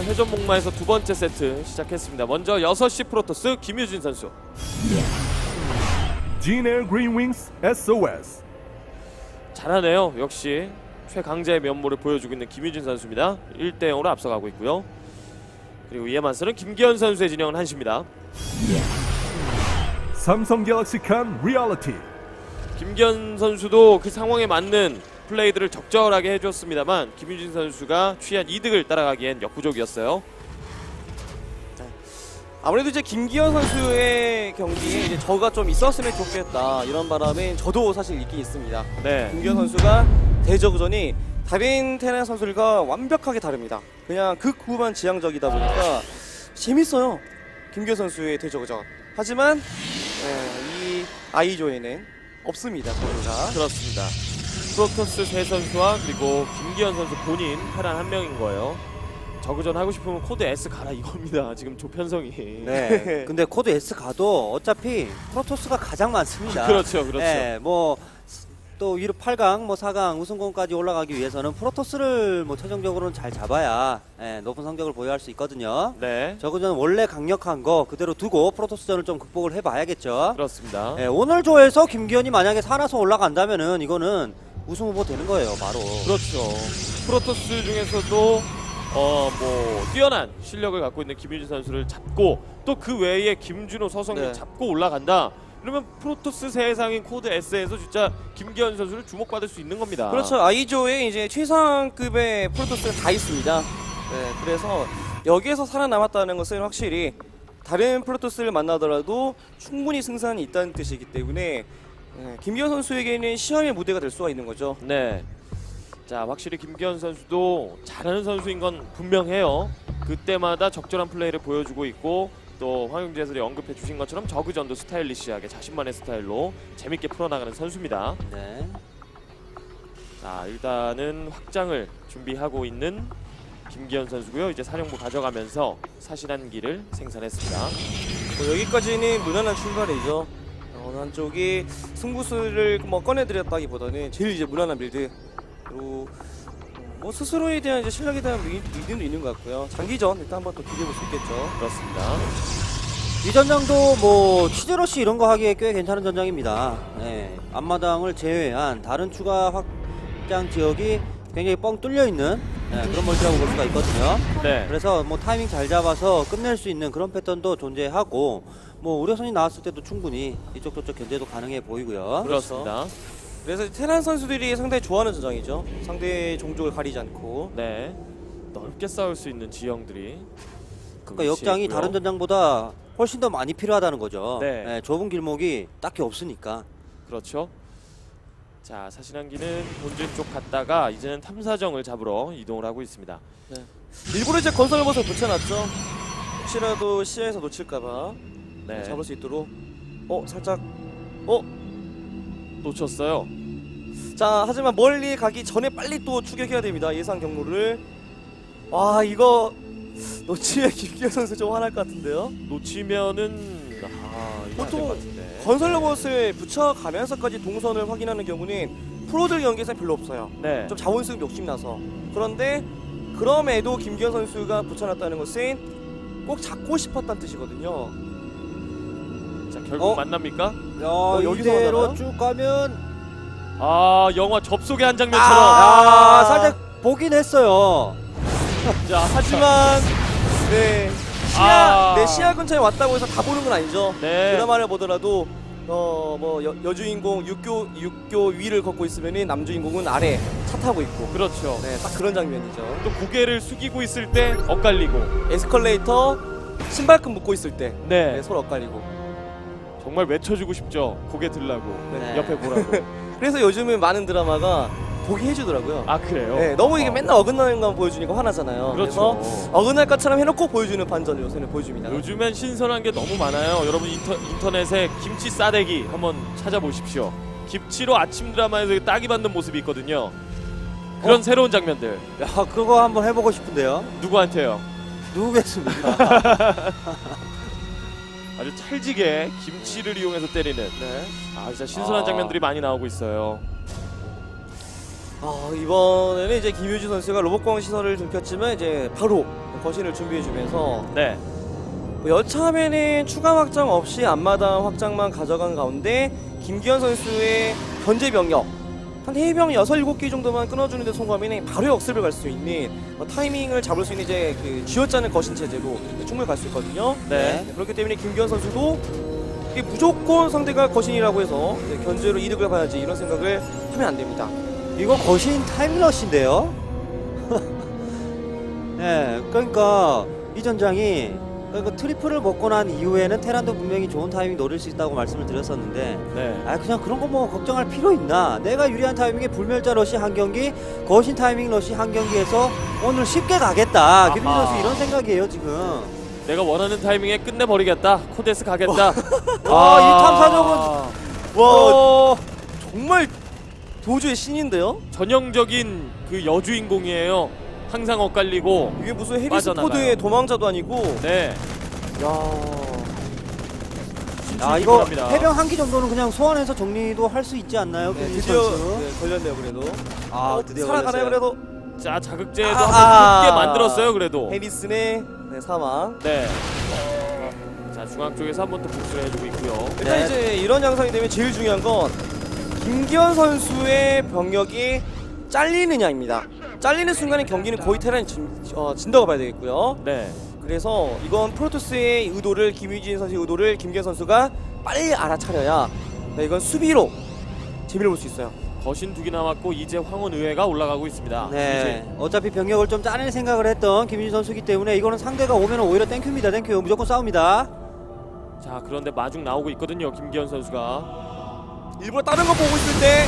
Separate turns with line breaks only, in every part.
회전 목마에서 두 번째 세트 시작했습니다. 먼저 6시 프로토스 김유진 선수.
Jin-Air Green Wings SOS.
잘하네요. 역시 최강자의 면모를 보여주고 있는 김유진 선수입니다. 1대0으로 앞서가고 있고요. 그리고 이에 맞서는 김기현 선수의 진영은 한시입니다.
Samsung Galaxy Can Reality.
김기현 선수도 그 상황에 맞는 플레이들을 적절하게 해줬습니다만 김유진 선수가 취한 이득을 따라가기엔 역부족이었어요.
아무래도 이제 김기현 선수의 경기에 이제 저가 좀 있었으면 좋겠다 이런 바람에 저도 사실 있긴 있습니다.
네.
김기현 선수가 대저그전이 다른 테란 선수들과 완벽하게 다릅니다. 그냥 극후반 지향적이다 보니까 재밌어요. 김기현 선수의 대저그전. 하지만 이 아이조에는 없습니다. 선수가.
그렇습니다. 프로토스 세 선수와 그리고 김기현 선수 본인 테란 한 명인 거예요. 저그전 하고 싶으면 코드 S 가라 이겁니다. 지금 조편성이.
네. 근데 코드 S 가도 어차피 프로토스가 가장 많습니다.
그렇죠, 그렇죠.
네, 뭐 또 위로 8강, 뭐 4강 우승권까지 올라가기 위해서는 프로토스를 뭐 최종적으로는 잘 잡아야 높은 성적을 보유할 수 있거든요.
네.
저그전 원래 강력한 거 그대로 두고 프로토스전을 좀 극복을 해봐야겠죠.
그렇습니다.
네, 오늘 조에서 김기현이 만약에 살아서 올라간다면은 이거는 우승 후보 되는 거예요, 바로.
그렇죠. 프로토스 중에서도 뭐 뛰어난 실력을 갖고 있는 김유진 선수를 잡고 또 그 외에 김준호, 서성민
네.
잡고 올라간다. 그러면 프로토스 세상인 코드 S에서 진짜 김기현 선수를 주목받을 수 있는 겁니다.
그렇죠. 아이조에 이제 최상급의 프로토스가 다 있습니다. 네, 그래서 여기에서 살아남았다는 것은 확실히 다른 프로토스를 만나더라도 충분히 승산이 있다는 뜻이기 때문에 김기현 선수에게는 시험의 무대가 될 수가 있는 거죠.
네. 자, 확실히 김기현 선수도 잘하는 선수인 건 분명해요. 그때마다 적절한 플레이를 보여주고 있고 또 황영재 해설이 언급해 주신 것처럼 저그전도 스타일리시하게 자신만의 스타일로 재밌게 풀어나가는 선수입니다.
네.
자, 일단은 확장을 준비하고 있는 김기현 선수고요. 이제 사령부 가져가면서 사신한 기를 생산했습니다.
뭐 여기까지는 무난한 출발이죠. 어느 한쪽이 승부수를 뭐 꺼내드렸다기보다는 제일 이제 무난한 빌드. 그리고 뭐 스스로에 대한 이제 실력에 대한 믿음도 있는 것 같고요. 장기전 일단 한번 또 기대해 볼 수 있겠죠.
그렇습니다.
이 전장도 뭐 치즈러시 이런 거 하기에 꽤 괜찮은 전장입니다. 네, 앞마당을 제외한 다른 추가 확장 지역이 굉장히 뻥 뚫려 있는 그런 멀티라고 볼 수가 있거든요.
네.
그래서 뭐 타이밍 잘 잡아서 끝낼 수 있는 그런 패턴도 존재하고 뭐 우려선이 나왔을 때도 충분히 이쪽 저쪽 견제도 가능해 보이고요.
그렇습니다.
그래서 테란 선수들이 상당히 좋아하는 전장이죠. 상대 종족을 가리지 않고.
네. 넓게 싸울 수 있는 지형들이
그러니까 역장이
있고요.
다른 전장보다 훨씬 더 많이 필요하다는 거죠.
네.
좁은 길목이 딱히 없으니까.
그렇죠. 자, 사신한기는 본진 쪽 갔다가 이제는 탐사정을 잡으러 이동을 하고 있습니다.
네. 일부러 이제 건설 로봇을 붙여놨죠. 혹시라도 시야에서 놓칠까봐
네.
잡을 수 있도록. 살짝.
놓쳤어요.
자, 하지만 멀리 가기 전에 빨리 또 추격해야 됩니다. 예상 경로를. 와, 이거 놓치면 김기현 선수 좀 화날 것 같은데요.
놓치면은 이거 안될
보통
것 같은데.
건설 로봇을 붙여가면서까지 동선을 확인하는 경우는 프로들 경기에서 별로 없어요.
네.
좀 자원수급 욕심나서. 그런데 그럼에도 김기현 선수가 붙여놨다는 것은 꼭 잡고 싶었다는 뜻이거든요.
자, 결국 만납니까?
여기서
이대로
하나요?
쭉 가면
아, 영화 접속의 한 장면처럼.
살짝 보긴 했어요.
자,
하지만 네 시야 근처에 왔다고 해서 다 보는 건 아니죠.
네.
드라마를 보더라도 뭐 여주인공 육교 위를 걷고 있으면은 남주인공은 아래 차 타고 있고.
그렇죠.
네, 딱 그런 장면이죠.
또 고개를 숙이고 있을 때 엇갈리고.
에스컬레이터 신발끈 묶고 있을 때
네.
서로 엇갈리고.
정말 외쳐주고 싶죠. 고개 들라고.
네.
옆에 보라고.
그래서 요즘은 많은 드라마가 보게 해주더라고요.
아, 그래요?
네, 너무 이게 맨날 어긋나는 것만 보여주니까 화나잖아요.
그렇죠.
그래서 어긋날 것처럼 해놓고 보여주는 반전을 요새는 보여줍니다.
요즘엔 신선한 게 너무 많아요. 여러분 인터넷에 김치 싸대기 한번 찾아보십시오. 김치로 아침 드라마에서 딱이 받는 모습이 있거든요. 그런 새로운 장면들.
야, 그거 한번 해보고 싶은데요.
누구한테요?
누구겠습니까?
아주 찰지게 김치를 이용해서 때리는.
네.
아, 진짜 신선한 장면들이 많이 나오고 있어요.
이번에는 이제 김유지 선수가 로봇공 시설을 들켰지만 이제 바로 거신을 준비해주면서
네.
뭐 여차하면은 추가 확장 없이 앞마당 확장만 가져간 가운데 김기현 선수의 견제 병력 한 해병 6, 7개 정도만 끊어주는 데 성공하면 바로 역습을 갈 수 있는 타이밍을 잡을 수 있는 이제 그 쥐어짜는 거신 체제로 충분히 갈 수 있거든요.
네.
그렇기 때문에 김기현 선수도 이게 무조건 상대가 거신이라고 해서 견제로 이득을 봐야지 이런 생각을 하면 안 됩니다.
이거 거신 타임러시인데요. 네, 그러니까 이 전장이 그러니까 트리플을 먹고 난 이후에는 테란도 분명히 좋은 타이밍 노릴 수 있다고 말씀을 드렸었는데
네.
그냥 그런 거 뭐 걱정할 필요 있나? 내가 유리한 타이밍에 불멸자 러시 한 경기, 거신 타이밍 러시 한 경기에서 오늘 쉽게 가겠다. 김민수
아하.
선수 이런 생각이에요 지금.
내가 원하는 타이밍에 끝내버리겠다. 코데스 가겠다.
이 탐사정은
와 정말 도주의 신인데요?
전형적인 그 여주인공이에요. 항상 엇갈리고.
이게 무슨 해리스
빠져나가요.
포드의 도망자도 아니고
네.
이거
기본합니다.
해병 한 기 정도는 그냥 소환해서 정리도 할 수 있지 않나요? 김민수
드디어
선수?
걸렸네요 그래도.
드디어
살아가나요
걸렸어요.
그래도?
자, 자극제도 한번 늦게 만들었어요. 그래도.
해리슨의 사망.
네. 자, 중앙 쪽에서 한 번 더 복수를 해주고 있고요.
일단
네.
이제 이런 양상이 되면 제일 중요한 건 김기현 선수의 병력이 잘리느냐입니다. 잘리는 순간에 경기는 거의 테란이 진다고 봐야 되겠고요.
네.
그래서 이건 프로토스의 의도를 김유진 선수의 의도를 김기현 선수가 빨리 알아차려야 이건 수비로 재미를 볼 수 있어요.
거신 2개 남았고 이제 황혼 의회가 올라가고 있습니다.
네. 어차피 병력을 좀 짜낼 생각을 했던 김민수 선수기 때문에 이거는 상대가 오면 오히려 땡큐입니다. 땡큐. 무조건 싸웁니다.
자, 그런데 마중 나오고 있거든요. 김기현 선수가.
일부러 다른 거 보고 있을 때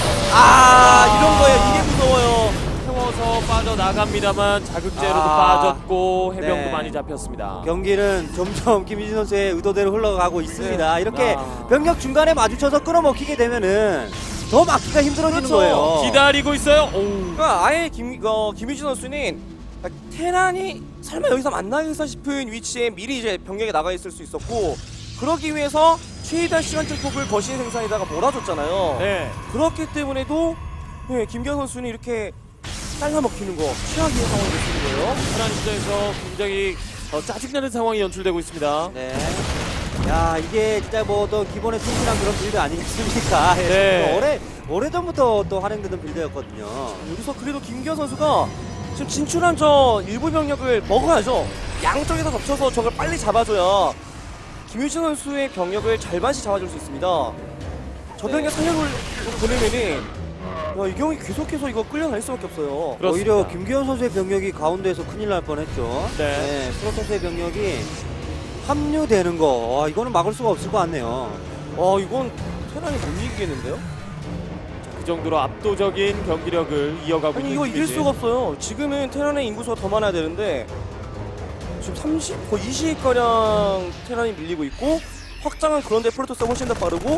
이런 거예요. 이게 무서워요.
태워서 빠져나갑니다만 자극제로도
아.
빠졌고 해병도
네.
많이 잡혔습니다.
경기는 점점 김민수 선수의 의도대로 흘러가고 있습니다. 이렇게
아.
병력 중간에 마주쳐서 끌어먹히게 되면은 더 막기가 힘들어지는
그렇죠.
거예요.
기다리고 있어요. 오.
그러니까 아예 김유진 선수는 테란이 설마 여기서 만나겠어 싶은 위치에 미리 이제 병력에 나가 있을 수 있었고 그러기 위해서 최대한 시간적 폭을 거신 생산에다가 몰아줬잖아요.
네.
그렇기 때문에도 김기현 선수는 이렇게 잘라먹히는 거 최악의 상황이 될 수 있는 거예요.
테란 입장에서 굉장히 짜증나는 상황이 연출되고 있습니다.
네. 야, 이게 진짜 뭐 또 기본에 충실한 그런 빌드 아니겠습니까?
네.
오래전부터 또 활용되던 빌드였거든요.
여기서 그래도 김기현 선수가 지금 진출한 저 일부 병력을 먹어야죠. 양쪽에서 덮쳐서 저걸 빨리 잡아줘야 김유진 선수의 병력을 절반씩 잡아줄 수 있습니다. 저 병력 살려볼 보내면은 이 경기 계속해서 이거 끌려갈 수밖에 없어요.
그렇습니다.
오히려 김기현 선수의 병력이 가운데에서 큰일 날 뻔했죠.
네.
프로토스의 병력이 합류되는 거, 이거는 막을 수가 없을 것 같네요.
이건 테란이 못 이기겠는데요?
그 정도로 압도적인 경기력을 이어가고
아니
있는
이거 이길
김유진.
수가 없어요. 지금은 테란의 인구수가 더 많아야 되는데 지금 30, 거의 20가량 테란이 밀리고 있고 확장은 그런데 프로토스가 훨씬 더 빠르고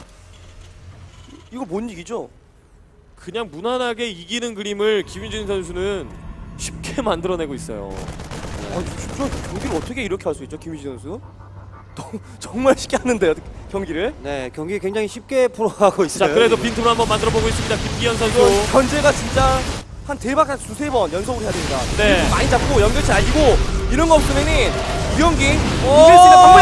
이거 못 이기죠?
그냥 무난하게 이기는 그림을 김유진 선수는 쉽게 만들어내고 있어요.
진짜 경기를 어떻게 이렇게 할 수 있죠, 김유진 선수? 정말 쉽게 하는데요, 경기를?
네, 경기 굉장히 쉽게 풀어가고 있어요.
자, 그래도 빈틈을 한번 만들어 보고 있습니다. 김기현 선수.
이거 견제가 진짜 한 대박 한 두세 번 연속으로 해야 됩니다.
네.
이렇게 많이 잡고 연결체 알리고 이런 거 없으면은 이 경기 이길 수 있는 방법이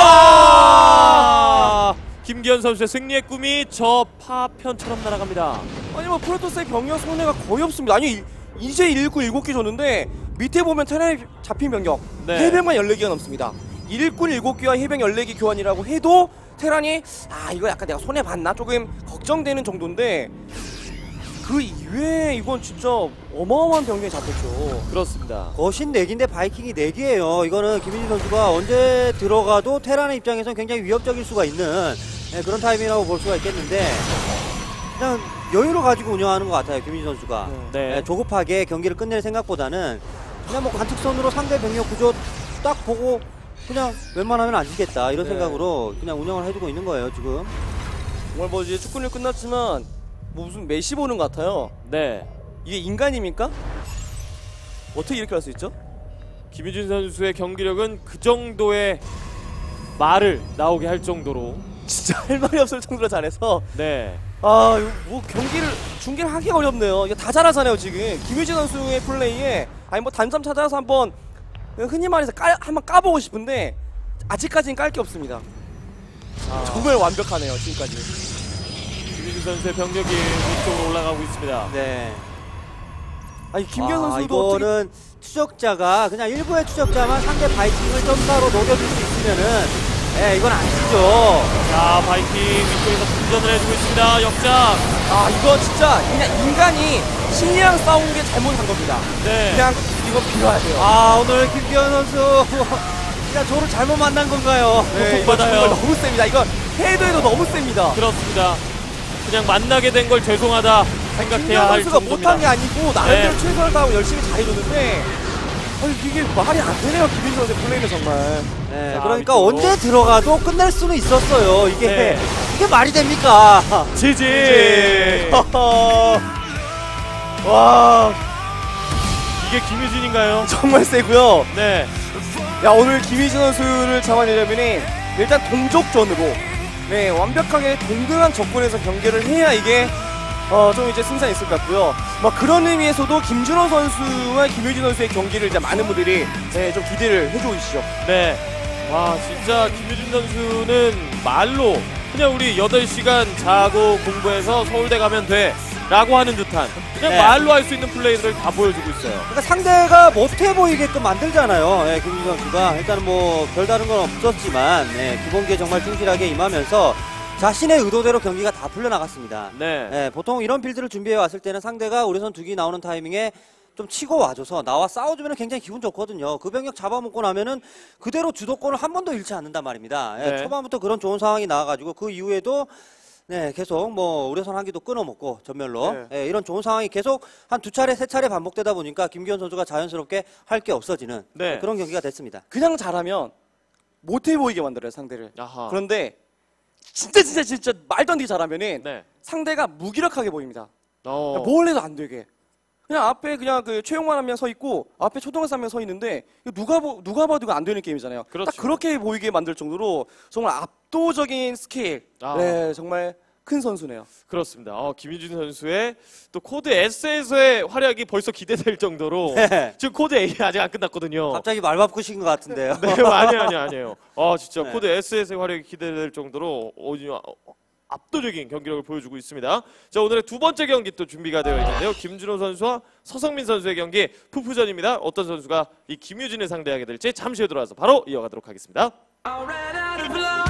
없어!
김기현 선수의 승리의 꿈이 저 파편처럼 날아갑니다.
아니 뭐 프로토스의 병력 손해가 거의 없습니다. 아니 이제 1군 7개 줬는데 밑에 보면 테란이 잡힌 병력
네.
해병만 14개가 넘습니다. 1군 7개와 해병 14개 교환이라고 해도 테란이 이거 약간 내가 손해봤나 조금 걱정되는 정도인데 그 이외에 이건 진짜 어마어마한 병력이 잡혔죠.
그렇습니다.
거신 4기인데 바이킹이 4개예요. 이거는 김민진 선수가 언제 들어가도 테란의 입장에서는 굉장히 위협적일 수가 있는 그런 타이밍이라고 볼 수가 있겠는데 그냥 여유를 가지고 운영하는 것 같아요. 김민진 선수가.
네.
조급하게 경기를 끝낼 생각보다는 그냥 뭐 관측선으로 상대 병력 구조 딱 보고 그냥 웬만하면 안 지겠다 이런 생각으로 그냥 운영을 해주고 있는 거예요 지금.
정말 뭐 이제 축구는 끝났지만 뭐 무슨 메시 보는 것 같아요.
네.
이게 인간입니까? 어떻게 이렇게 할 수 있죠?
김유진 선수의 경기력은 그 정도의 말을 나오게 할 정도로
진짜 할 말이 없을 정도로 잘해서
네.
아, 이거 뭐 경기를 중계를 하기 어렵네요. 이게 다 잘하잖아요 지금. 김유진 선수의 플레이에 아니 뭐 단점 찾아서 한번 흔히 말해서 한번 까보고 싶은데 아직까지는 깔 게 없습니다. 정말 완벽하네요 지금까지.
김유진 선수의 병력이 위쪽으로 올라가고 있습니다.
네.
아니 김기현 선수도 어떻게
이거는 추적자가 그냥 일부의 추적자만 상대 바이킹을 점사로 녹여줄 수 있으면은 이건 아니죠.
자, 바이킹 위쪽에서 분전을 해주고 있습니다. 역장.
아 이거 진짜 그냥 인간이 신이랑 싸운 게 잘못한 겁니다.
네.
그냥 이거 비워야 돼요.
오늘 김기현 선수 그냥 저를 잘못 만난 건가요?
네, 이거
맞아요.
정말 너무 셉니다. 이거 해도 너무 셉니다.
그렇습니다. 그냥 만나게 된 걸 죄송하다 생각해야
김기현
할
선수가
정도입니다.
못한 게 아니고 나름대로
네.
최선을 다하고 열심히 잘해줬는데 이게 말이 안 되네요. 김기현 선수의 플레이는 정말.
네,
자,
그러니까
위쪽으로.
언제 들어가도 끝낼 수는 있었어요. 이게
네.
이게 말이 됩니까?
지지.
와
이게 김유진인가요?
정말 세고요.
네.
야 오늘 김희진 선수를 잡아내려면은 일단 동족전으로 네 완벽하게 동등한 조건에서 경기를 해야 이게 좀 이제 승산이 있을 것 같고요. 뭐 그런 의미에서도 김준호 선수와 김효진 선수의 경기를 이제 많은 분들이 좀 기대를 해주시죠.
네. 와, 진짜 김유진 선수는 말로 그냥 우리 8시간 자고 공부해서 서울대 가면 돼 라고 하는 듯한 그냥
네.
말로 할 수 있는 플레이들을 다 보여주고 있어요.
그러니까 상대가 못해 보이게끔 만들잖아요. 김준 선수가 일단은 뭐 별다른 건 없었지만 기본기에 정말 충실하게 임하면서 자신의 의도대로 경기가 다 풀려나갔습니다.
네.
보통 이런 빌드를 준비해 왔을 때는 상대가 우려선 두기 나오는 타이밍에 좀 치고 와줘서 나와 싸워주면 굉장히 기분 좋거든요. 그 병력 잡아먹고 나면은 그대로 주도권을 한 번도 잃지 않는단 말입니다.
네.
초반부터 그런 좋은 상황이 나와가지고 그 이후에도 계속 뭐 우려선 한 기도 끊어먹고 전멸로 이런 좋은 상황이 계속 한 2차례 3차례 반복되다 보니까 김기현 선수가 자연스럽게 할 게 없어지는
네.
그런 경기가 됐습니다.
그냥 잘하면 못해 보이게 만들어요 상대를.
아하.
그런데 진짜 말도 안 되게 잘하면은
네.
상대가 무기력하게 보입니다.
어.
뭘 해도 안 되게. 그냥 앞에 그냥 그 최용만 한 명 서 있고 앞에 초등학생 한 명 서 있는데 이거 누가 봐도 이거 안 되는 게임이잖아요.
그렇죠.
딱 그렇게 보이게 만들 정도로 정말 압도적인 스케일.
아.
네, 정말 큰 선수네요.
그렇습니다. 김유진 선수의 또 코드 S에서의 활약이 벌써 기대될 정도로
네.
지금 코드 A 아직 안 끝났거든요.
갑자기 말 바꾸신 것 같은데요.
네, 아니에요. 진짜
네.
코드 S에서의 활약이 기대될 정도로 압도적인 경기력을 보여주고 있습니다. 자, 오늘의 두 번째 경기 또 준비가 되어 있는데요. 김준호 선수와 서성민 선수의 경기 푸푸전입니다. 어떤 선수가 이 김유진을 상대하게 될지 잠시 후에 돌아와서 바로 이어가도록 하겠습니다.
Alright, out of love.